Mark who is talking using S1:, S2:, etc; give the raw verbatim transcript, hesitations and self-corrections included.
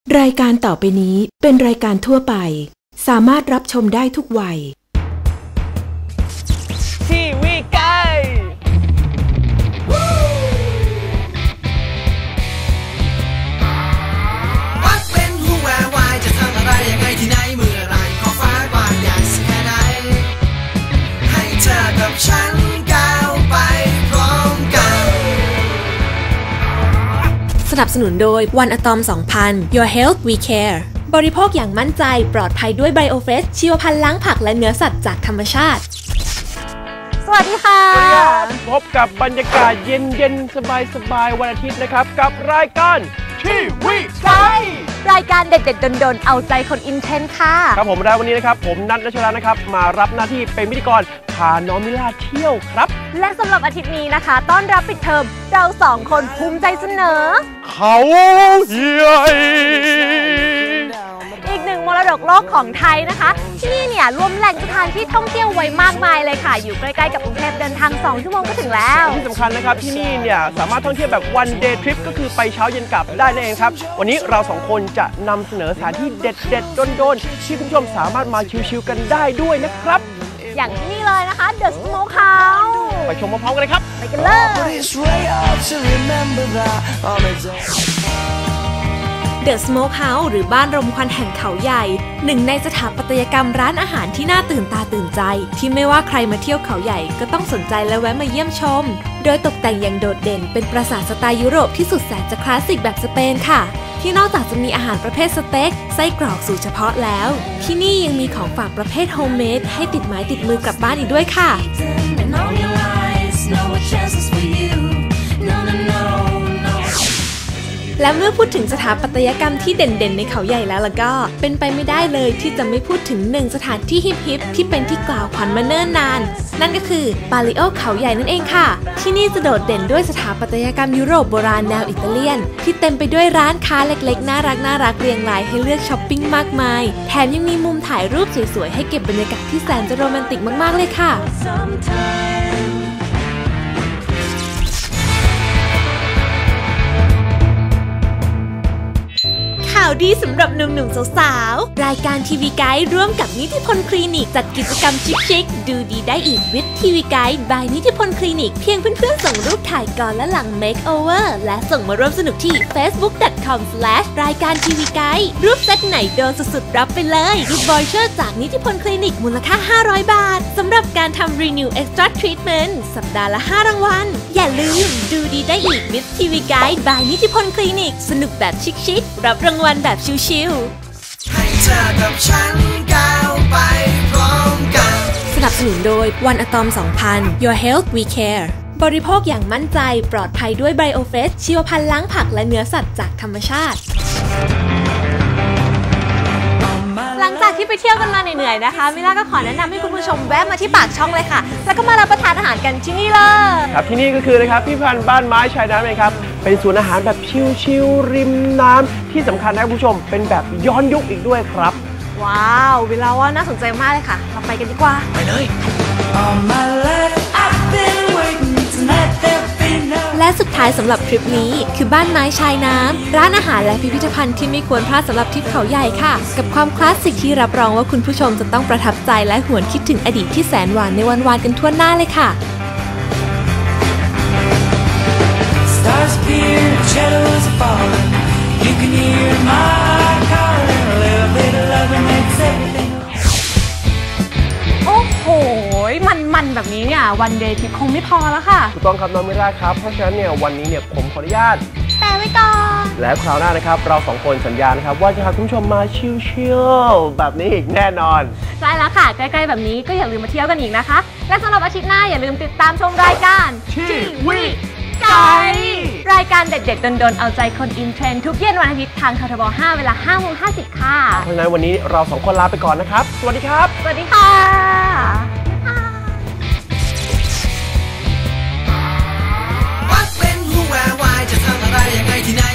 S1: รายการต่อไปนี้เป็นรายการทั่วไปสามารถรับชมได้ทุกวัย
S2: ทีวีไก
S3: วัดเป็นผู้แวววายจะทำอะไรยังไงที่ไหนเมื่อไรขอฟ้ากว้างใหญ่สักแค่ไหนให้เธอกับฉันก้าวไปพร้อมกัน
S4: สนับสนุนโดยวันอะตอม สองพัน Your Health We Care บริโภคอย่างมั่นใจปลอดภัยด้วย BioFresh ชีวพันธุ์ล้างผักและเนื้อสัตว์จากธรรมชาติ
S2: สวัสดีค่ะพบกับบรรยากาศเย็นๆสบายๆวันอาทิตย์นะครับกับรายการทีวีไก
S4: รายการเด็ดๆโดนๆเอาใจคนอินเทนค่ะ
S2: ครับผมแล้ววันนี้นะครับผมนัท ณัชรานะครับมารับหน้าที่เป็นพิธีกรพาน้องมิล่าเที่ยวครับ
S4: และสำหรับอาทิตย์นี้นะคะต้อนรับปิดเทอมเราสองคนภูมิใจเสนอ
S2: เขาใหญ่
S4: อีกหนึ่งมรดกโลกของไทยนะคะที่นี่เนี่ยรวมแหล่งสถานที่ท่องเที่ยวไว้มากมายเลยค่ะอยู่ใกล้ๆกับกรุงเทพเดินทางสองชั่วโมงก็ถึงแล้ว
S2: ที่สำคัญนะครับที่นี่เนี่ยสามารถท่องเที่ยวแบบ one day trip ก็คือไปเช้าเย็นกลับได้นั่นเองครับวันนี้เราสองคนจะนำเสนอสถานที่เด็ดๆโดนๆที่คุณผู้ชมสามารถมาชิลๆกันได้ด้วยนะครับ
S4: อย่างที่นี่เลยนะคะ The Smokehouse
S2: ไปชมพร้อมๆกันเลยครับ
S4: ไปกันเลย The Smokehouse หรือบ้านรมควันแห่งเขาใหญ่หนึ่งในสถาปัตยกรรมร้านอาหารที่น่าตื่นตาตื่นใจที่ไม่ว่าใครมาเที่ยวเขาใหญ่ก็ต้องสนใจและแวะมาเยี่ยมชมโดยตกแต่งอย่างโดดเด่นเป็นปราสาทสไตล์ยุโรปที่สุดแสนจะคลาสสิกแบบสเปนค่ะที่นอกจากจะมีอาหารประเภทสเต็กไส้กรอกสูตรเฉพาะแล้วที่นี่ยังมีของฝากประเภทโฮมเมดให้ติดไม้ติดมือกลับบ้านอีกด้วยค่ะและเมื่อพูดถึงสถาปัตยกรรมที่เด่นๆในเขาใหญ่แล้วล่ะก็เป็นไปไม่ได้เลยที่จะไม่พูดถึงหนึ่งสถานที่ฮิปๆที่เป็นที่กล่าวขวัญมาเนิ่นนานนั่นก็คือปาลิโอเขาใหญ่นั่นเองค่ะที่นี่จะโดดเด่นด้วยสถาปัตยกรรมยุโรปโบราณแนวอิตาเลียนที่เต็มไปด้วยร้านค้าเล็กๆน่ารักน่ารักเรียงรายให้เลือกช้อปปิ้งมากมายแถมยังมีมุมถ่ายรูปสวยๆให้เก็บบรรยากาศที่แสนจะโรแมนติกมากๆเลยค่ะข่าวดีสำหรับหนุ่มๆสาวๆรายการทีวีไกด์ร่วมกับนิติพลคลินิกจัดกิจกรรมชิคๆดูดีได้อีกวิดทีวีไกด์บายนิติพลคลินิกเพียงเพื่อนๆส่งรูปถ่ายก่อนและหลังเมคโอเวอร์และส่งมาร่วมสนุกที่ เฟซบุ๊ก ดอท คอม สแลช รายการทีวีไกด์รูปเซตไหนโดนสุดๆรับไปเลยกิฟต์วอยเชอร์จากนิติพลคลินิกมูลค่าห้าร้อยบาทสำหรับการทำ Renew Extra Treatment สัปดาห์ละห้ารางวัลอย่าลืมดูดีได้อีกวิดทีวีไกด์บายนิติพลคลินิกสนุกแบบชิคๆรับรางวัลแบบชิลๆ
S3: ให้เธอกับฉันก้าวไปพร้อมกัน
S4: สนับสนุนโดยวันอะตอม สองพัน Your Health We Care บริโภคอย่างมั่นใจปลอดภัยด้วย BioFresh ชีวพันธุ์ล้างผักและเนื้อสัตว์จากธรรมชาติหลังจากที่ไปเที่ยวกันมาเหนื่อยๆนะคะมิล่าก็ขอแนะนำให้คุณผู้ชมแวะมาที่ปากช่องเลยค่ะแล้วก็มารับประทานอาหารกันที่นี่เลย
S2: ครับที่นี่ก็คือนะครับพิพิธภัณฑ์บ้านไม้ชายน้ำเองครับเป็นศูนย์อาหารแบบชิลๆริมน้ำที่สำคัญนะคุณผู้ชมเป็นแบบย้อนยุคอีกด้วยครับ
S4: ว้าววิลาว่าน่าสนใจมากเลยค่ะเราไปกันดีกว่า
S2: ไปเลย
S4: และสุดท้ายสำหรับทริปนี้คือบ้านไม้ชายน้ำร้านอาหารและพิพิธภัณฑ์ที่ไม่ควรพลาดสำหรับทริปเขาใหญ่ค่ะกับความคลาสสิกที่รับรองว่าคุณผู้ชมจะต้องประทับใจและหวนคิดถึงอดีตที่แสนหวานในวันวานกันทั่วหน้าเลยค่ะโอ้โหมันๆแบบนี้เนี่ยวันเดย์ทริปคงไม่พอแล้วค่ะ
S2: ถูกต้องครับน้องมิล่าครับเพราะฉะนั้นเนี่ยวันนี้เนี่ยผมขออนุญาต
S4: แปะไว้ก่อน
S2: แล้วคราวหน้านะครับเราสองคนสัญญานะครับว่าจะพาคุณผู้ชมมาชิลๆแบบนี้อีกแน่นอน
S4: ใช่แล้วค่ะใกล้ๆแบบนี้ก็อย่าลืมมาเที่ยวกันอีกนะคะและสำหรับอาทิตย์หน้าอย่าลืมติดตามชมรายการ
S2: ทีวีไกด์
S4: รายการเด็ดๆโดนๆเอาใจคนอินเทรนด์ทุกเย็นวันอาทิตย์ทางททบห้าเวลาห้าโมงห้าสิบค่ะ
S2: เพราะฉะนั้นวันนี้เราสองคนลาไปก่อนนะครับสวัสดีครับ
S4: สวัสดีค่ะ
S3: วัดเป็นผู้แวววายจะทำอะไรยังไงที่ไหน